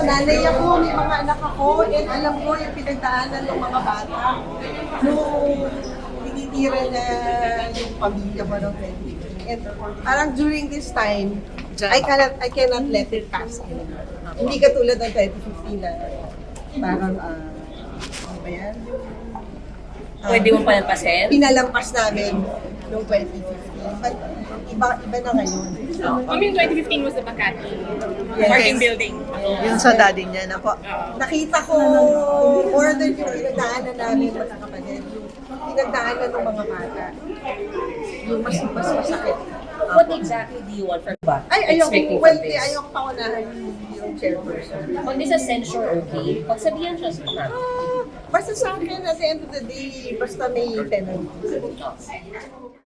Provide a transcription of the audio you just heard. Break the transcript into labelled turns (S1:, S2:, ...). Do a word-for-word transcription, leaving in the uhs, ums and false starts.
S1: nanay ako, may mga anak ako, and alam ko yung pinagdaanan ng mga bata. Nung tinitira na yung pamilya ko ng twenty. And parang during this time, I cannot I cannot let it pass. Hindi katulad ng twenty fifteen na parang, ah, ano ba yan? Ah,
S2: Pwede mo palampasin?
S1: Pinalampas namin noong twenty fifteen. But iba, iba na ngayon.
S3: I mean, twenty fifteen was the Makati
S1: Yes.
S3: parking building.
S4: Yung sa daddy niya na po.
S1: Nakita ko more than yung pinagdaanan namin magkakapatid. Yung pinagdaanan ng mga bata. Yung mas, mas masakit.
S2: What exactly do you want from ba?
S1: Ay, ayoko,
S2: Expecting
S1: well,
S2: from
S1: di,
S2: this?
S1: ayoko paunahan yung chairperson.
S2: Pag di sa censure, okay? Pag sabihan siya sa
S1: Ah, basta sa akin, at the end of the day, basta may penalty.